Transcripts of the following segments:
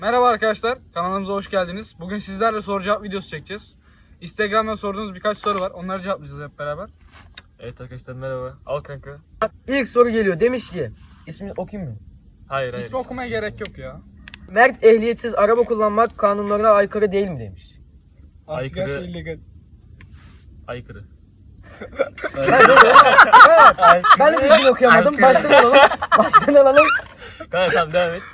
Merhaba arkadaşlar, kanalımıza hoş geldiniz. Bugün sizlerle soru cevap videosu çekeceğiz. Instagram'dan sorduğunuz birkaç soru var, onları cevaplayacağız hep beraber. Evet arkadaşlar merhaba. Al kanka. İlk soru geliyor. Demiş ki, ismini okuyayım mı? Hayır. İsmi okumaya gerek yok ya. Mert ehliyetsiz araba kullanmak kanunlarına aykırı değil mi demiş. Artık Aykırı. her şey illegal. Aykırı. Evet. Ben de düzgün okuyamadım. Baştan alalım. Tamam devam et.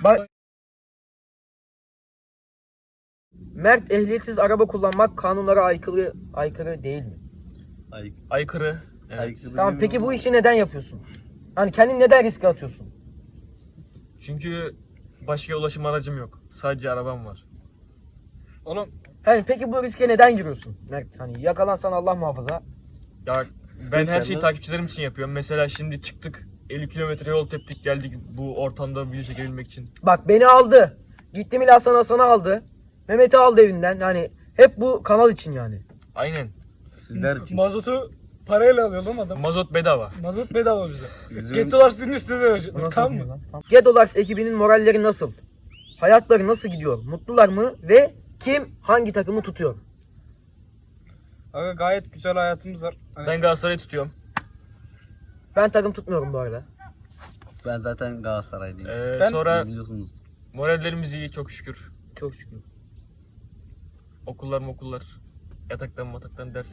Mert ehliyetsiz araba kullanmak kanunlara aykırı değil mi? Aykırı. Evet. Tamam, peki bu işi neden yapıyorsun? Hani kendini neden riske atıyorsun? Çünkü başka ulaşım aracım yok. Sadece arabam var. Oğlum Hani peki bu riske neden giriyorsun Mert? Hani yakalansan Allah muhafaza. Ya ben her şeyi takipçilerim için yapıyorum. Mesela şimdi çıktık 50 kilometre yol teptik geldik bu ortamda video çekebilmek için. Bak beni aldı. Gitti Milas sana aldı. Mehmet'i aldı evinden. Hani hep bu kanal için yani. Aynen. Sizler için. mazotu parayla alıyor lan adam. Mazot bedava. Mazot bedava bize. Yüzün- Gettolar üstüne verecek. Tamam mı? Gedolax ekibinin moralleri nasıl? Hayatları nasıl gidiyor? Mutlular mı? Ve kim hangi takımı tutuyor? Aga gayet güzel hayatımız var. Hani Ben Galatasaray'ı tutuyorum. Ben takım tutmuyorum bu arada. Ben zaten Galatasaraylıyım. Ben- Sonra Biliyorsunuz. morallerimiz iyi çok şükür. Çok şükür. Okullar. Yataktan ders.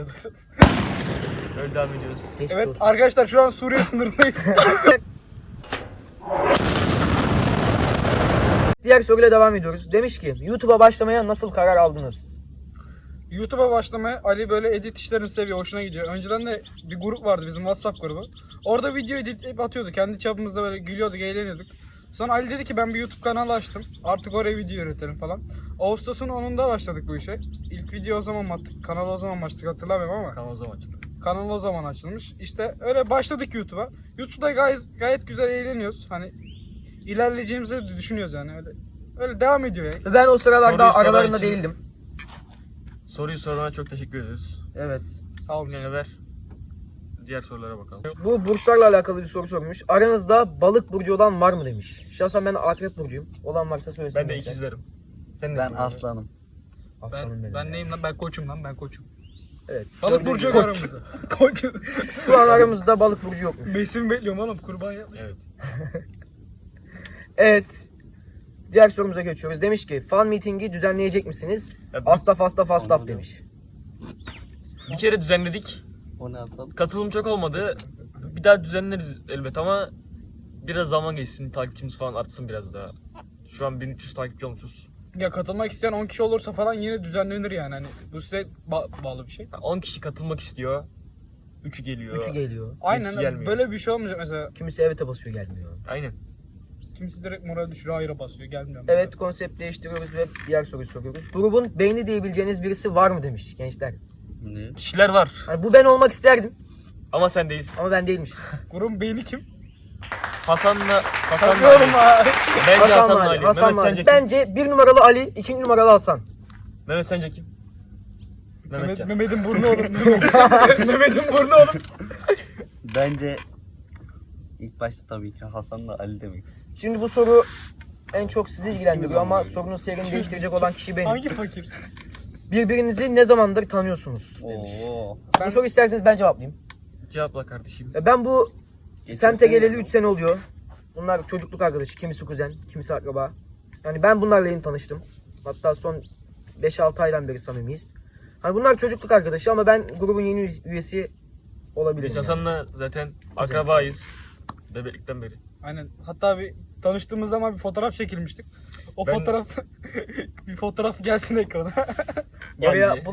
Öyle devam ediyoruz. Geçmiş Evet olsun. arkadaşlar şu an Suriye sınırındayız. Diğer soruyla devam ediyoruz. Demiş ki YouTube'a başlamaya nasıl karar aldınız? YouTube'a başlamaya Ali böyle edit işlerini seviyor, hoşuna gidiyor. Önceden de bir grup vardı bizim WhatsApp grubu. Orada video editleyip atıyordu. Kendi çapımızda böyle gülüyorduk, eğleniyorduk. Sonra Ali dedi ki ben bir YouTube kanalı açtım. Artık oraya video üretelim falan. Ağustos'un 10'unda başladık bu işe. İlk video o zaman mı attık? Kanalı o zaman mı açtık hatırlamıyorum ama. Kanal o zaman açıldı. Kanal o zaman açılmış. İşte öyle başladık YouTube'a. YouTube'da gayet güzel eğleniyoruz. Hani ilerleyeceğimizi de düşünüyoruz yani. Öyle devam ediyor ya. Ben o sıralarda Soruyu aralarında soran için- değildim. Soruyu sorana çok teşekkür ederiz. Evet. Sağ olun. Yine ver. Diğer sorulara bakalım. Bu burçlarla alakalı bir soru sormuş. Aranızda balık burcu olan var mı demiş. Şahsen ben akrep burcuyum. Olan varsa söylesin. Ben de ikizlerim. Sen ne Ben diyorsun? aslanım. Aslanım benim. Ben neyim lan? Ben koçum lan. Ben koçum. Evet. Balık Gördüğün burcu gibi. yok aramızda. Koç. Şu an aramızda balık burcu yokmuş. Mevsim bekliyorum oğlum. Kurban yapmış. Evet. Evet. Diğer sorumuza geçiyoruz. Demiş ki fan meeting'i düzenleyecek misiniz? Ya Astaf demiş. Bir kere düzenledik. O ne aslan? Katılım çok olmadı. Bir daha düzenleriz elbet ama biraz zaman geçsin, takipçimiz falan artsın biraz daha. Şu an 1300 takipçi olmuşuz. Ya katılmak isteyen 10 kişi olursa falan yine düzenlenir yani. Hani bu size bağlı bir şey. 10 kişi katılmak istiyor. 3'ü geliyor. 3'ü geliyor. Aynen gelmiyor. böyle bir şey olmayacak mesela. Kimisi evete basıyor gelmiyor. Aynen. Kimisi direkt moral düşürüyor, hayra basıyor, gelmiyor. Evet, konsept değiştiriyoruz ve diğer soruyu soruyoruz. Grubun beyni diyebileceğiniz birisi var mı demiş gençler. Ne? Kişiler var Hani bu ben olmak isterdim ama sen değilsin. ama ben değilmiş. Grubun beyni kim? Hasan'la Tanıyorum Ali. ha. Bence Hasan Hasan'la Ali. Ali. Hasan Mehmet sence Ali. kim? Bence 1 numaralı Ali, 2 numaralı Hasan. Mehmet sence kim? Mehmetcan. Mehmet'in burnu oğlum. Mehmet'in burnu oğlum. Bence ilk başta tabii ki Hasan'la Ali demek. Şimdi bu soru en çok sizi ilgilendiriyor ama sorunun seyrini değiştirecek olan kişi benim. Hangi fakir? Birbirinizi ne zamandır tanıyorsunuz? Oo. Bu soru isterseniz ben cevaplayayım. Cevapla kardeşim. Ben bu Geçen semte sene geleli mi? 3 sene oluyor. Bunlar çocukluk arkadaşı, kimisi kuzen, kimisi akraba. Yani ben bunlarla yeni tanıştım. Hatta son 5-6 aydan beri samimiyiz. Hani bunlar çocukluk arkadaşı ama ben grubun yeni üyesi olabilirim. Biz yani. Hasan'la zaten akrabayız. Bebeklikten beri. Aynen. Hatta bir tanıştığımız zaman bir fotoğraf çekilmiştik. O Ben- fotoğraf bir fotoğraf gelsin ekrana. Oraya Geldi.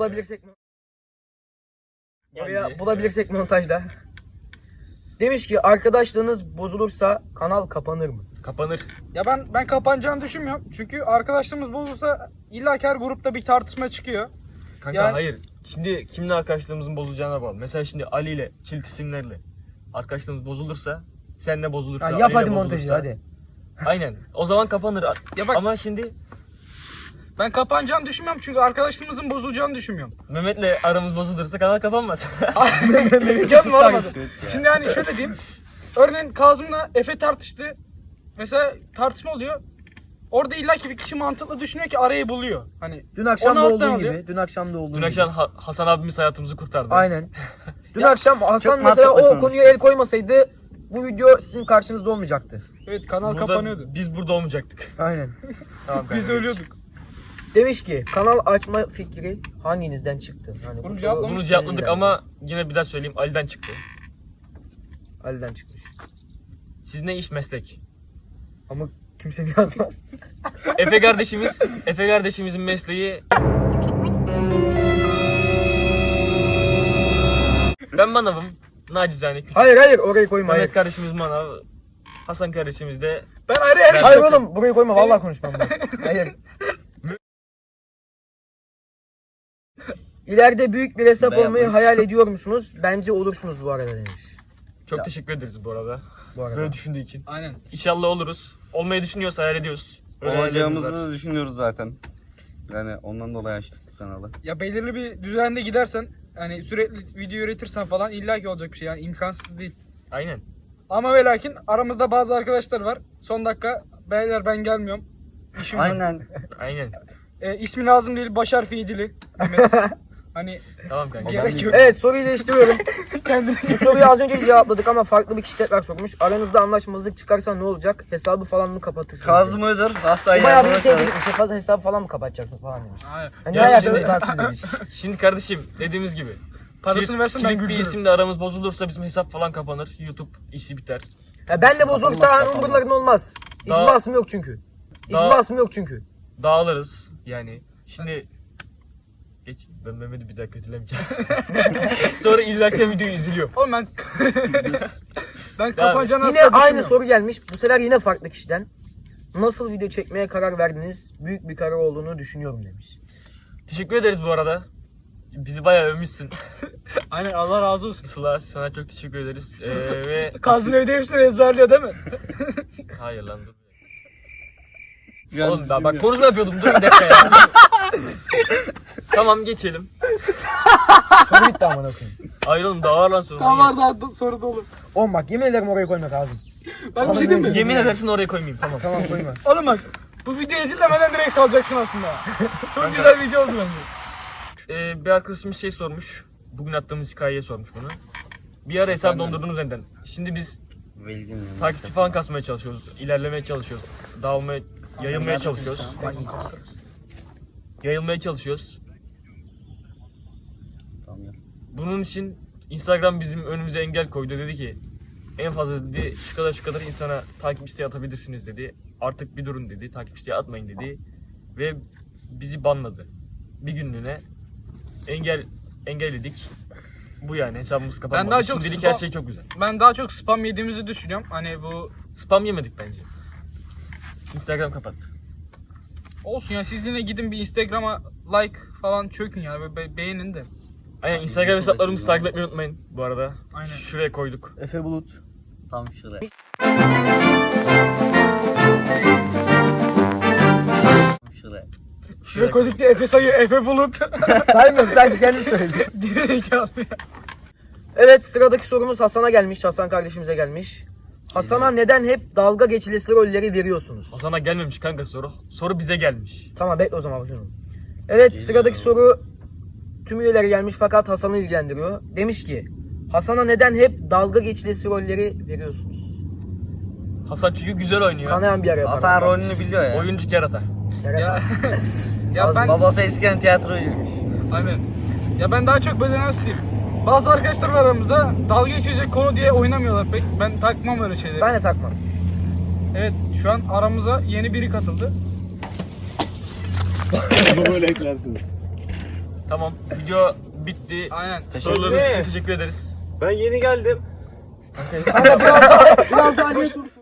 Oraya bulabilirsek montajda. Demiş ki arkadaşlığınız bozulursa kanal kapanır mı? Kapanır. Ya ben kapanacağını düşünmüyorum. Çünkü arkadaşlığımız bozulsa illa ki her grupta bir tartışma çıkıyor. Kanka Yani- hayır. Şimdi kimle arkadaşlığımızın bozulacağına bağlı. Mesela şimdi Ali ile çift isimlerle arkadaşlığımız bozulursa, senle bozulursa, Ha, Ali yap ile hadi montajı bozulursa- hadi. Aynen. O zaman kapanır. Ya bak- Ama şimdi Ben kapanacağını düşünmüyorum çünkü arkadaşlığımızın bozulacağını düşünmüyorum. Mehmet'le aramız bozulursa kanal kapanmaz. Mükemmel olmadı. kötü ya. Şimdi hani şöyle diyeyim. Örneğin Kazım'la Efe tartıştı. Mesela tartışma oluyor. orada illaki bir kişi mantıklı düşünüyor ki arayı buluyor. Hani Dün akşam da onu olduğu alttan gibi. alıyor. Dün akşam da olduğu Dün gibi. akşam Hasan abimiz hayatımızı kurtardı. Aynen. Dün akşam Hasan çok mesela mantıklı o konu. konuya el koymasaydı bu video sizin karşınızda olmayacaktı. Evet, kanal Burada kapanıyordu. biz burada olmayacaktık. Aynen. Tamam Biz kanka. ölüyorduk. Demiş ki kanal açma fikri hanginizden çıktı? Yani Bunu bu cevaplamış. soru Bunu sizin cevapladık yani. ama yine bir daha söyleyeyim, Ali'den çıktı. Ali'den çıkmış. Siz ne iş meslek? Ama kimse yazmaz. Efe kardeşimizin mesleği... Ben manavım. Nacizane küçük. Hayır orayı koyma. Hayır. Mehmet kardeşimiz manav. Hasan kardeşimiz de... Ben ayrı ayrı Hayır oğlum burayı koyma vallahi konuşmam ben. Hayır. İleride büyük bir hesap Dayanmayız. olmayı hayal ediyor musunuz? Bence olursunuz bu arada demiş. Çok teşekkür ederiz bu arada. Bu arada. Böyle düşündüğü için. Aynen. İnşallah oluruz. Olmayı düşünüyorsa hayal ediyoruz. Öyle hayallerimiz var. Olacağımızı düşünüyoruz zaten. Yani ondan dolayı açtık bu kanalı. Ya belirli bir düzende gidersen, hani sürekli video üretirsen falan illaki olacak bir şey, yani imkansız değil. Aynen. Ama ve lakin aramızda bazı arkadaşlar var. Son dakika beyler ben gelmiyorum. İşim var. Aynen. Aynen. İsmi lazım değil, baş harfi yedili. Mehmet. Hani Tamam kanka. gerek yok. Evet soruyu değiştiriyorum. Bu soruyu az önce cevapladık ama farklı bir kişi tekrar sormuş. Aranızda anlaşmazlık çıkarsa ne olacak? Hesabı falan mı kapatırsınız? Kazım Özer hastaya Bu bayağı bir yardım tehdit eder. etmiş. Hesabı falan mı kapatacaksın falan demiş. Hayır. Hani Ya ne şimdi- ayakta demiş. Şimdi kardeşim dediğimiz gibi. Parasını versin ben Kilit bir güldürürüm. isimle aramız bozulursa bizim hesap falan kapanır. YouTube işi biter. Ya ben de bozulursa hani umurlarında olmaz. Hiçbir Daha- basım yok çünkü. Hiçbir daha- basım yok çünkü. Dağılırız yani. Şimdi geç, ben Mehmet'i bir daha kötülemeyeceğim. Sonra izlerken videoyu üzülüyor. Oğlum ben kapanacağını Yine asla aynı düşünmüyorum. soru gelmiş. Bu sefer yine farklı kişiden. Nasıl video çekmeye karar verdiniz? Büyük bir karar olduğunu düşünüyorum demiş. Teşekkür ederiz bu arada. Bizi bayağı övmüşsün. Aynen, Allah razı olsun. Sıla sana çok teşekkür ederiz. Ve Kazım evde hepsini ezberliyor değil mi? hayır lan dur. Yani Oğlum daha bak konuşma yapıyordum, dur bir dakika ya. Tamam geçelim. Soru bitti amına koyayım. Hayır oğlum daha var lan sonra. Tamam var daha soru dolu. Oğlum bak yemin ederim oraya koymak lazım. Ben bir şey diyeyim mi? Yemin edersin oraya koymayayım, tamam. Tamam koyma. Oğlum bak, bu video editlemeden direkt salacaksın aslında. Çok güzel video oldu bence. Bir arkadaşımız şey sormuş. Bugün attığımız hikayeye sormuş bunu. Bir ara hesap dondurdunuz neden? Şimdi biz Velgin yani. takipçi falan kasmaya çalışıyoruz. İlerlemeye çalışıyoruz. Dağılmaya, yayılmaya çalışıyoruz. Yayılmaya çalışıyoruz. Tamam ya. Bunun için Instagram bizim önümüze engel koydu. Dedi ki en fazla dedi şu kadar insana takip isteği atabilirsiniz dedi. Artık bir durun dedi. Takip isteği atmayın dedi. Ve bizi banladı. Bir günlüğüne engelledik. Bu yani hesabımız kapanmadı. Ben daha çok Şimdilik spam- her şey çok güzel. Ben daha çok spam yediğimizi düşünüyorum. Hani bu Spam yemedik bence. Instagram kapattı. olsun ya, siz yine gidin bir Instagram'a like falan çökün ya, beğenin de. Aynen Instagram hesaplarımızı takip etmeyi unutmayın bu arada. Aynen. Şuraya koyduk. Efe Bulut. Tam şuraya. Şuraya. Şuraya koyduk diye Efe sayı, Efe Bulut. Saymıyorum sadece kendim söyledim. Gerizekalı ya. Evet sıradaki sorumuz Hasan'a gelmiş. Hasan kardeşimize gelmiş. Hasan'a neden hep dalga geçilesi rolleri veriyorsunuz? Hasan'a gelmemiş kanka soru. Soru bize gelmiş. Tamam bekle o zaman bakıyorum. Evet sıradaki soru tüm üyeleri gelmiş fakat Hasan'ı ilgilendiriyor. Demiş ki Hasan'a neden hep dalga geçilesi rolleri veriyorsunuz? Hasan çünkü güzel oynuyor. Kanayan bir yer yapar. Hasan rolünü biliyor ya. Oyuncu kerata. Ya, ya ben Babası eskiden tiyatrocuymuş. aynen. Ya ben daha çok böyle nasıl diyeyim? Bazı arkadaşlar var aramızda, dalga geçecek konu diye oynamıyorlar pek. Ben takmam öyle şeyleri. Ben de takmam. Evet, şu an aramıza yeni biri katıldı. Tamam video bitti. Aynen. Sorularınız için teşekkür ederiz. Ben yeni geldim. Kanka biraz daha niye soru